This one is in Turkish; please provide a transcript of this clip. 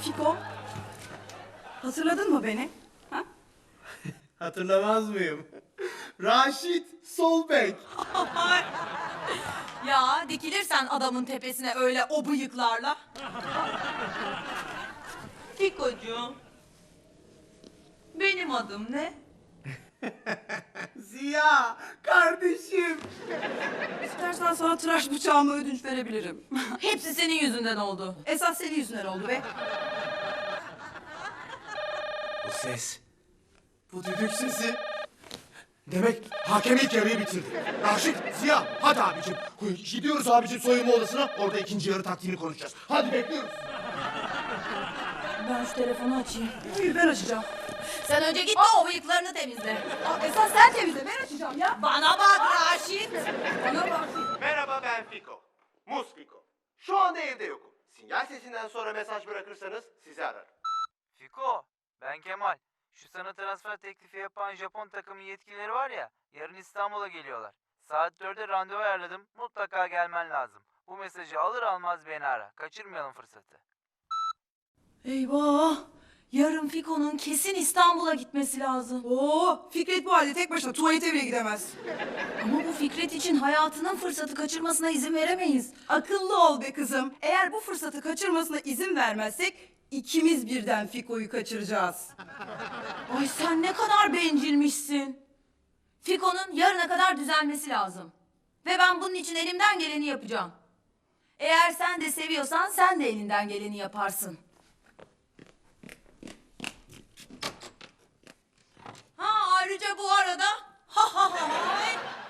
Fiko, hatırladın mı beni? Ha? Hatırlamaz mıyım? Raşit Solbek. Ya dikilirsen adamın tepesine öyle o bıyıklarla. Fikocuğum, benim adım ne? Ziya kardeşim. İstersen sana tıraş bıçağımı ödünç verebilirim. Hepsi senin yüzünden oldu. Esas senin yüzünden oldu be. Bu ses. Bu düdük sesi. Demek hakem ilk yarıyı bitirdi. Raşit, Ziya, hadi abicim. Gidiyoruz abicim soyunma odasına. Orada ikinci yarı taktiğini konuşacağız. Hadi bekliyoruz. Ben şu telefonu açayım. Hayır, ben açacağım. Sen önce git de o bıyıklarını temizle. Esas sen temizle, ben açacağım ya. Bana bak Raşit. Bana bak. Merhaba, ben Fiko. Mus Fiko. Şu anda evde yokum. Sinyal sesinden sonra mesaj bırakırsanız sizi ararım. Fiko, ben Kemal. Şu sana transfer teklifi yapan Japon takımı yetkilileri var ya, yarın İstanbul'a geliyorlar. Saat 4'e randevu ayarladım, mutlaka gelmen lazım. Bu mesajı alır almaz beni ara, kaçırmayalım fırsatı. Eyvah. Yarın Fiko'nun kesin İstanbul'a gitmesi lazım. Oo, Fikret bu halde tek başına tuvalete bile gidemez. Ama bu Fikret için hayatının fırsatı kaçırmasına izin veremeyiz. Akıllı ol be kızım. Eğer bu fırsatı kaçırmasına izin vermezsek ikimiz birden Fiko'yu kaçıracağız. Ay sen ne kadar bencilmişsin. Fiko'nun yarına kadar düzelmesi lazım. Ve ben bunun için elimden geleni yapacağım. Eğer sen de seviyorsan sen de elinden geleni yaparsın. Ha ayrıca bu arada